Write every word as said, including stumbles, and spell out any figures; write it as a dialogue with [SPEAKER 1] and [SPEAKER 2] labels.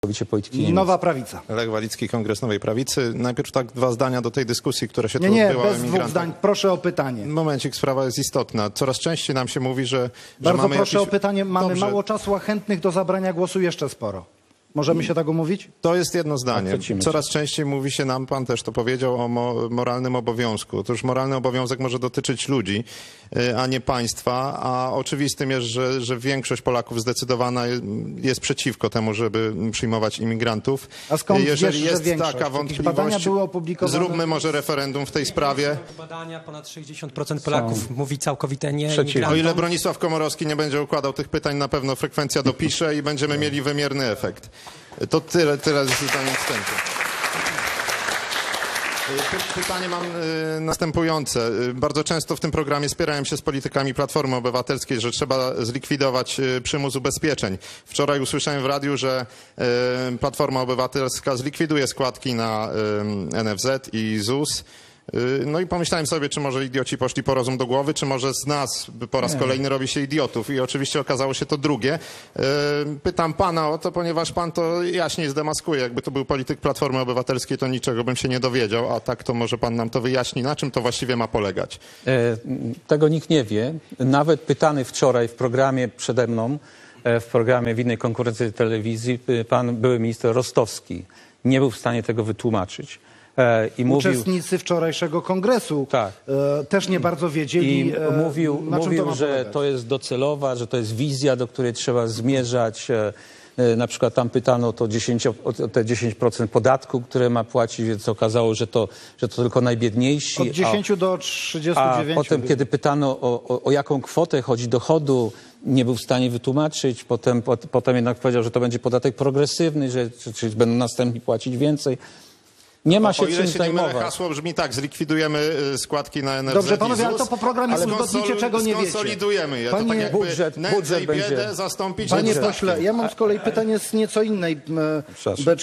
[SPEAKER 1] Polityki
[SPEAKER 2] Nowa Prawica.
[SPEAKER 3] Lech Walicki, Kongres Nowej Prawicy. Najpierw tak dwa zdania do tej dyskusji, która się
[SPEAKER 2] Nie,
[SPEAKER 3] tu
[SPEAKER 2] nie,
[SPEAKER 3] odbyła.
[SPEAKER 2] bez dwóch zdań. Proszę o pytanie.
[SPEAKER 3] Momencik, sprawa jest istotna. Coraz częściej nam się mówi, że, że
[SPEAKER 2] Bardzo
[SPEAKER 3] mamy
[SPEAKER 2] proszę
[SPEAKER 3] jakiś...
[SPEAKER 2] o pytanie. Mamy
[SPEAKER 3] Dobrze.
[SPEAKER 2] mało czasu, a chętnych do zabrania głosu jeszcze sporo. Możemy się tak umówić?
[SPEAKER 3] To jest jedno zdanie.
[SPEAKER 1] Akceptujemy.
[SPEAKER 3] Coraz częściej mówi się nam, pan też to powiedział, o mo moralnym obowiązku. Otóż moralny obowiązek może dotyczyć ludzi, y, a nie państwa, a oczywistym jest, że, że większość Polaków zdecydowana jest przeciwko temu, żeby przyjmować imigrantów.
[SPEAKER 2] A skąd
[SPEAKER 3] Jeżeli
[SPEAKER 2] wiesz, że
[SPEAKER 3] jest
[SPEAKER 2] większość?
[SPEAKER 3] taka
[SPEAKER 2] Jakieś badania
[SPEAKER 3] wątpliwość,
[SPEAKER 2] były opublikowane?
[SPEAKER 3] zróbmy może referendum w tej sprawie.
[SPEAKER 4] Badania, ponad sześćdziesiąt procent Polaków mówi całkowite nie
[SPEAKER 1] Przeciwnie.
[SPEAKER 3] O
[SPEAKER 4] imigrantom.
[SPEAKER 3] ile Bronisław Komorowski nie będzie układał tych pytań, na pewno frekwencja dopisze i będziemy mieli wymierny efekt. To tyle, tyle z zdaniem wstępu. Py- Pytanie mam y, następujące. Y, Bardzo często w tym programie spierałem się z politykami Platformy Obywatelskiej, że trzeba zlikwidować y, przymus ubezpieczeń. Wczoraj usłyszałem w radiu, że y, Platforma Obywatelska zlikwiduje składki na y, N F Z i ZUS. No i pomyślałem sobie, czy może idioci poszli po rozum do głowy, czy może z nas po raz kolejny robi się idiotów. I oczywiście okazało się to drugie. Pytam pana o to, ponieważ pan to jaśniej zdemaskuje. Jakby to był polityk Platformy Obywatelskiej, to niczego bym się nie dowiedział, a tak to może pan nam to wyjaśni, na czym to właściwie ma polegać.
[SPEAKER 1] E, tego nikt nie wie. Nawet pytany wczoraj w programie przede mną, e, w programie w innej konkurencji telewizji, e, pan były minister Rostowski nie był w stanie tego wytłumaczyć. E, i mówił,
[SPEAKER 2] Uczestnicy wczorajszego kongresu
[SPEAKER 1] Tak.
[SPEAKER 2] e, też nie bardzo wiedzieli,
[SPEAKER 1] i
[SPEAKER 2] e,
[SPEAKER 1] mówił,
[SPEAKER 2] na czym to
[SPEAKER 1] mówił
[SPEAKER 2] ma
[SPEAKER 1] że
[SPEAKER 2] polegać.
[SPEAKER 1] to jest docelowa, że to jest wizja, do której trzeba zmierzać. E, e, na przykład tam pytano to dziesięć, o te dziesięć procent podatku, które ma płacić, więc okazało, że to, że to tylko najbiedniejsi.
[SPEAKER 2] Od dziesięciu do
[SPEAKER 1] A
[SPEAKER 2] trzydziestu dziewięciu.
[SPEAKER 1] potem, kiedy pytano o, o, o jaką kwotę chodzi dochodu, nie był w stanie wytłumaczyć. Potem, pot, potem jednak powiedział, że to będzie podatek progresywny, że czy, czy będą następni płacić więcej. Nie ma się
[SPEAKER 3] O ile
[SPEAKER 1] czym
[SPEAKER 3] się nie mylę,
[SPEAKER 1] zajmować.
[SPEAKER 3] hasło brzmi tak, zlikwidujemy y, składki na N F Z
[SPEAKER 2] Dobrze,
[SPEAKER 3] i
[SPEAKER 2] panowie, ale
[SPEAKER 3] ZUS,
[SPEAKER 2] to po programie
[SPEAKER 3] ale
[SPEAKER 2] uzgodnicie,
[SPEAKER 3] skonsol-
[SPEAKER 2] czego nie wiecie.
[SPEAKER 3] Skonsolidujemy je. To
[SPEAKER 2] Panie-
[SPEAKER 3] tak jakby
[SPEAKER 1] Budżet-
[SPEAKER 3] nędzę
[SPEAKER 1] budżet
[SPEAKER 3] i biedę
[SPEAKER 1] będzie-
[SPEAKER 3] zastąpić
[SPEAKER 2] Panie
[SPEAKER 3] dostatkiem.
[SPEAKER 2] pośle, ja mam z kolei pytanie z nieco innej e,
[SPEAKER 1] Przepraszam.
[SPEAKER 2] beczki.